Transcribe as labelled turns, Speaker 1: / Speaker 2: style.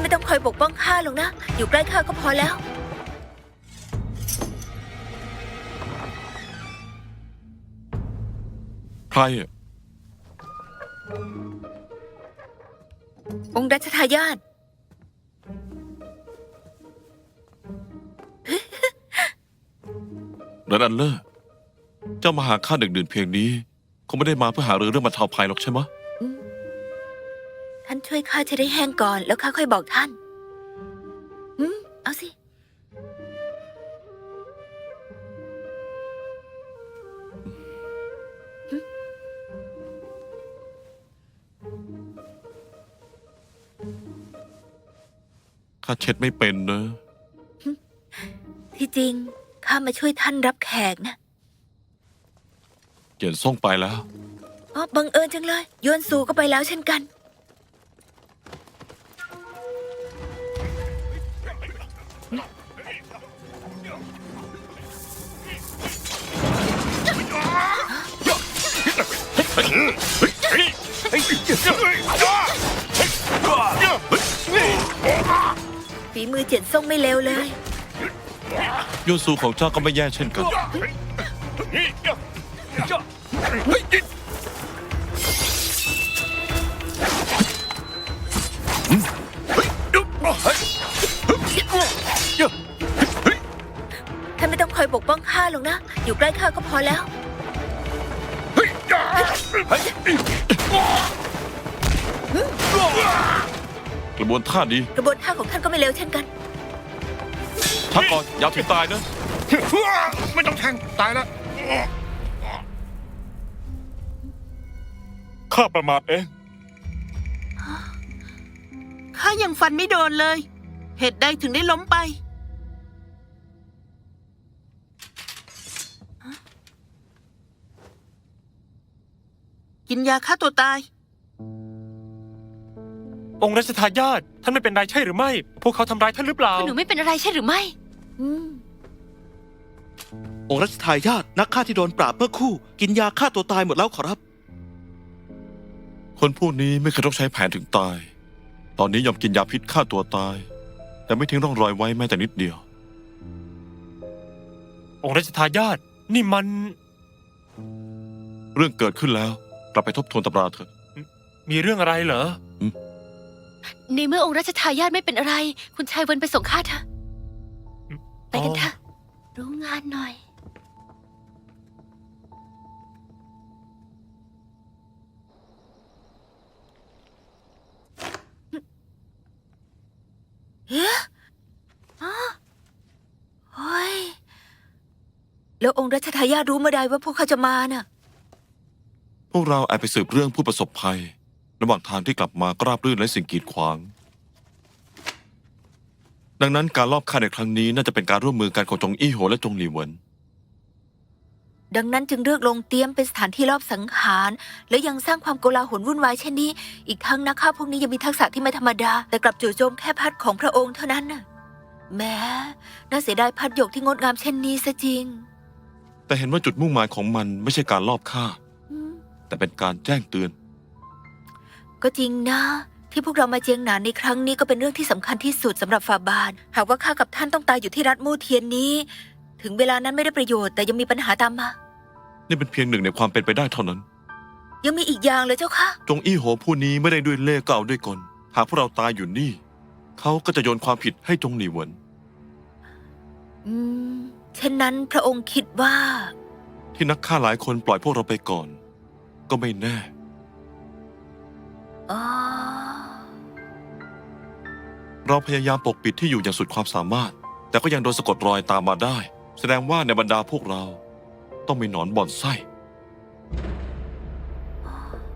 Speaker 1: ไม่ต้องคอยปกป้องข้าหรอกนะอยู่ใกล้ข้าก็พอแล้ว
Speaker 2: ใครอ่ะ
Speaker 1: องค์รัชทายาท
Speaker 2: เรนอันเลอร์เจ้ามาหาข้าดึกดื่นเพียงนี้คงไม่ได้มาเพื่อหาเรื่องบรรเทาภัยหรอกใช่ไหม
Speaker 1: ท่านช่วยข้าจะได้แห้งก่อนแล้วข้าค่อยบอกท่านเอาสิ
Speaker 2: ข้าเช็ดไม่เป็นนะ
Speaker 1: ที่จริงข้ามาช่วยท่านรับแขกนะ
Speaker 2: เจียนซ่งไปแล้ว
Speaker 1: อ๋อบังเอิญจังเลยยวนซูก็ไปแล้วเช่นกันฝีมือเจียนซ่งไม่เลวเลย
Speaker 2: ยูซูของเจ้าก็ไม่แย่เช่นกัน
Speaker 1: ท่านไม่ต้องคอยปกป้องข้าหรอกนะอยู่ใกล้ข้าก็พอแล้ว
Speaker 2: กระบวนท่าดี
Speaker 1: กระบวนท่าของท่านก็ไม่เลวเช่นกัน
Speaker 2: พักก่อนอย่าถึงตายนะ
Speaker 3: ไม่ต้องแทงตายแล้ว
Speaker 4: ข้าประมาทเอง
Speaker 5: ข้ายังฟันไม่โดนเลย เหตุใดถึงได้ล้มไป กินยาฆ่าตัวตาย
Speaker 4: องค์รัชทายาทท่านไม่เป็นไรใช่หรือไม่ พวกเขาทำร้ายท่านหรือเปล่า
Speaker 1: หนูไม่เป็นอะไรใช่หรือไม่
Speaker 6: องค์รัชทายาทนักฆ่าที่โดนปราบเมื่อครู่กินยาฆ่าตัวตายหมดแล้วขอรับ
Speaker 2: คนพวกนี้ไม่เคยต้องใช้แผนถึงตาย ตอนนี้ยอมกินยาพิษฆ่าตัวตาย แต่ไม่ทิ้งร่องรอยไว้แม้แต่นิดเดียว
Speaker 4: องค์รัชทายาทนี่มัน
Speaker 2: เรื่องเกิดขึ้นแล้วกลับไปทบทวนตำราเถอะ
Speaker 4: มีเรื่องอะไรเหรอ
Speaker 1: ในเมื่อองค์รัชทายาทไม่เป็นอะไร คุณชายเวินไปส่งข้าเถอะไปกันเถอะรู้งานหน่อยเฮ้ยโอ้ยแล้วองค์รัชทายาทรู้เมื่อใดว่าพวกเขาจะมาน่ะ
Speaker 2: พวกเราแอบไปสืบเรื่องผู้ประสบภัย ระหว่างทางที่กลับมาก็ราบรื่นและสิ่งกีดขวาง ดังนั้นการลอบฆ่าในครั้งนี้น่าจะเป็นการร่วมมือกันของจงอี้โหและจงหลี่เหวิน
Speaker 1: ดังนั้นจึงเลือกลงเตรียมเป็นสถานที่รอบสังหาร และยังสร้างความโกลาหลวุ่นวายเช่นนี้ อีกทั้งนักฆ่าพวกนี้ยังมีทักษะที่ไม่ธรรมดา แต่กลับจู่โจมแค่พัดของพระองค์เท่านั้นน่ะแม้น่าเสียดายพัดหยกที่งดงามเช่นนี้ซะจริง
Speaker 2: แต่เห็นว่าจุดมุ่งหมายของมันไม่ใช่การลอบฆ่า แต่เป็นการแจ้งเตือน
Speaker 1: ก็จริงนะที่พวกเรามาเจียงหนานในครั้งนี้ก็เป็นเรื่องที่สำคัญที่สุดสำหรับฝ่าบาทหากว่าข้ากับท่านต้องตายอยู่ที่รัฐมู่เทียนนี้ ถึงเวลานั้นไม่ได้ประโยชน์แต่ยังมีปัญหาตามมา
Speaker 2: นี่เป็นเพียงหนึ่งในความเป็นไปได้เท่านั้น
Speaker 1: ยังมีอีกอย่างเลยเจ้าค่ะ
Speaker 2: จงอี้โหผู้นี้ไม่ได้ด้วยเล่ห์ก็เอาด้วยกล หากพวกเราตายอยู่นี่ เขาก็จะโยนความผิดให้จงหลี่เหวิน
Speaker 1: เช่นนั้นพระองค์คิดว่า
Speaker 2: ที่นักฆ่าหลายคนปล่อยพวกเราไปก่อน ก็ไม่แน่
Speaker 1: อ๋อ
Speaker 2: เราพยายามปกปิดที่อยู่อย่างสุดความสามารถ แต่ก็ยังโดนสะกดรอยตามมาได้ แสดงว่าในบรรดาพวกเราต้องมีหนอนบ่อนไส้